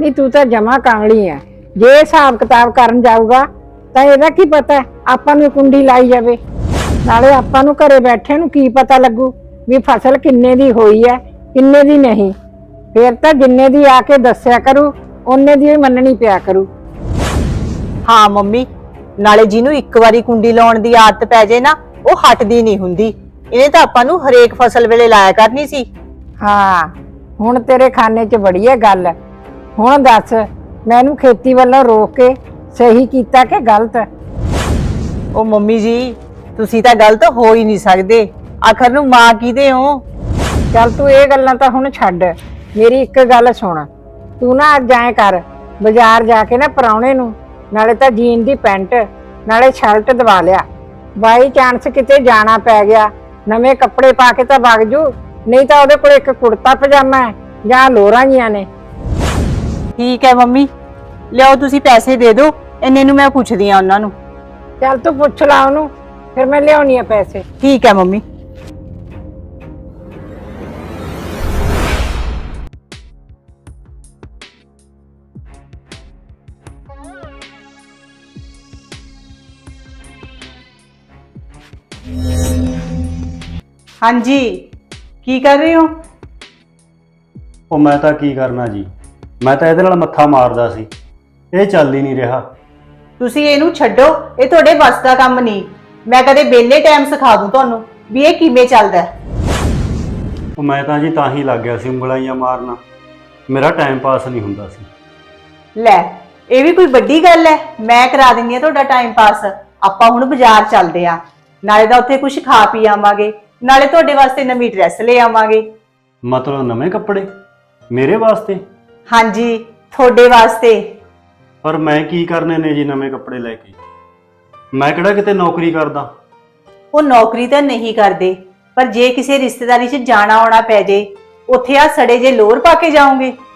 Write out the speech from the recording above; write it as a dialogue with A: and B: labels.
A: नहीं तू तो जमा कांगली है। जे हिसाब किताब करन जाऊगा तो ਇਹਦਾ ਕੀ ਪਤਾ ਆਪਾਂ ਨੂੰ ਕੁੰਡੀ ਲਾਈ ਜਾਵੇ। ਨਾਲੇ ਆਪਾਂ ਨੂੰ ਘਰੇ ਬੈਠੇ ਨੂੰ ਕੀ ਪਤਾ ਲੱਗੂ ਵੀ ਫਸਲ ਕਿੰਨੇ ਦੀ ਹੋਈ ਹੈ ਕਿੰਨੇ ਦੀ ਨਹੀਂ। ਫਿਰ ਤਾਂ ਜਿੰਨੇ ਦੀ ਆ ਕੇ ਦੱਸਿਆ ਕਰੂ ਉਹਨੇ ਦੀ ਹੀ ਮੰਨਣੀ ਪਿਆ ਕਰੂ।
B: ਹਾਂ ਮੰਮੀ, ਨਾਲੇ ਜਿਹਨੂੰ ਇੱਕ ਵਾਰੀ ਕੁੰਡੀ ਲਾਉਣ ਦੀ ਆਦਤ ਪੈ ਜੇ ਨਾ ਉਹ ਹਟਦੀ ਨਹੀਂ ਹੁੰਦੀ। ਇਹਨੇ ਤਾਂ ਆਪਾਂ ਨੂੰ ਹਰੇਕ ਫਸਲ ਵੇਲੇ ਲਾਇਆ ਕਰਨੀ ਸੀ।
A: ਹਾਂ ਹੁਣ ਤੇਰੇ ਖਾਨੇ 'ਚ ਬੜੀ ਹੈ ਗੱਲ। ਹੁਣ ਦੱਸ ਮੈਨੂੰ ਖੇਤੀ ਵੱਲੋਂ ਰੋਕ ਕੇ ਸਹੀ ਕੀਤਾ ਕਿ ਗਲਤ?
B: ਉਹ ਮੰਮੀ ਜੀ ਤੁਸੀਂ ਤਾਂ ਗਲਤ ਹੋ ਹੀ ਨਹੀਂ ਸਕਦੇ। ਆਖਰ ਨੂੰ ਮਾਂ ਕਿਹਦੇ ਹੋ?
A: ਚੱਲ ਤੂੰ ਇਹ ਗੱਲਾਂ ਤਾਂ ਹੁਣ ਛੱਡ। ਮੇਰੀ ਇੱਕ ਗੱਲ ਸੁਣ, ਤੂੰ ਨਾ ਅੱਜ ਐਂ ਕਰ, ਬਾਜ਼ਾਰ ਜਾ ਕੇ ਨਾ ਪਰਾਉਣੇ ਨੂੰ ਨਾਲੇ ਤਾਂ ਜੀਨ ਦੀ ਪੈਂਟ ਨਾਲੇ ਸ਼ਰਟ ਦਵਾ ਲਿਆ। ਬਾਈ ਚਾਂਸ ਕਿਤੇ ਜਾਣਾ ਪੈ ਗਿਆ ਨਵੇਂ ਕੱਪੜੇ ਪਾ ਕੇ ਤਾਂ ਵਗ ਜੂ, ਨਹੀਂ ਤਾਂ ਉਹਦੇ ਕੋਲ ਇੱਕ ਕੁੜਤਾ ਪਜਾਮਾ ਹੈ ਜਾਂ ਲੋਰਾਂ ਜੀਆਂ ਨੇ।
B: ਠੀਕ ਹੈ ਮੰਮੀ, ਲਿਆਓ ਤੁਸੀਂ ਪੈਸੇ ਦੇ ਦਿਓ, ਇੰਨੇ ਨੂੰ ਮੈਂ ਪੁੱਛਦੀ ਆ ਉਹਨਾਂ ਨੂੰ।
A: ਚੱਲ ਤੂੰ ਪੁੱਛ ਲਾ ਉਹਨੂੰ, ਫਿਰ ਮੈਂ ਲਿਆਉਣੀ ਆ ਪੈਸੇ।
B: ਠੀਕ ਹੈ ਮੰਮੀ। ਹਾਂਜੀ, ਕੀ ਕਰ ਰਹੇ ਹੋ?
C: ਉਹ ਮੈਂ ਤਾਂ ਕੀ ਕਰਨਾ ਜੀ, ਮੈਂ ਤਾਂ ਇਹਦੇ ਨਾਲ ਮੱਥਾ ਮਾਰਦਾ ਸੀ, ਇਹ ਚੱਲ ਹੀ ਨਹੀਂ ਰਿਹਾ।
B: ਤੁਸੀਂ ਇਹਨੂੰ ਛੱਡੋ, ਇਹ ਤੁਹਾਡੇ ਵੱਸ ਦਾ ਕੰਮ ਨਹੀਂ। ਮੈਂ ਕਦੇ ਵਿਹਲੇ ਟਾਈਮ ਸਿਖਾ ਦੂੰ ਤੁਹਾਨੂੰ ਵੀ ਇਹ ਕਿਵੇਂ ਚੱਲਦਾ।
C: ਉਹ ਮੈਂ ਤਾਂ ਜੀ ਤਾਂ ਹੀ ਲੱਗ ਗਿਆ ਸੀ ਉਂਗਲਾਈਆਂ ਮਾਰਨਾ, ਮੇਰਾ ਟਾਈਮ ਪਾਸ ਨਹੀਂ ਹੁੰਦਾ ਸੀ।
B: ਲੈ ਇਹ ਵੀ ਕੋਈ ਵੱਡੀ ਗੱਲ ਹੈ? ਮੈਂ ਕਰਾ ਦਿੰਦੀ ਆ ਤੁਹਾਡਾ ਟਾਈਮ ਪਾਸ। ਆਪਾਂ ਹੁਣ ਬਾਜ਼ਾਰ ਚੱਲਦੇ ਆ, ਨਾਲੇ ਤਾਂ ਉੱਥੇ ਕੁਝ ਖਾ ਪੀ ਆਵਾਂਗੇ, ਨਾਲੇ ਤੁਹਾਡੇ ਵਾਸਤੇ ਨਵੀਂ ਡਰੈਸ ਲੈ ਆਵਾਂਗੇ।
C: ਮਤਲਬ ਨਵੇਂ ਕੱਪੜੇ ਮੇਰੇ ਵਾਸਤੇ?
B: ਹਾਂਜੀ ਤੁਹਾਡੇ ਵਾਸਤੇ।
C: ਪਰ ਮੈਂ ਕੀ ਕਰਨੇ ਨੇ ਜੀ ਨਵੇਂ ਕੱਪੜੇ ਲੈ ਕੇ? ਮੈਂ ਕਿਹੜਾ ਕਿਤੇ ਨੌਕਰੀ ਕਰਦਾ।
B: ਉਹ ਨੌਕਰੀ ਤਾਂ ਨਹੀਂ ਕਰਦੇ, ਪਰ ਜੇ ਕਿਸੇ ਰਿਸ਼ਤੇਦਾਰੀ 'ਚ ਜਾਣਾ ਆਉਣਾ ਪੈ ਜੇ ਉੱਥੇ ਆ ਸੜੇ ਜੇ ਲੋਰ ਪਾ ਕੇ ਜਾਓਗੇ?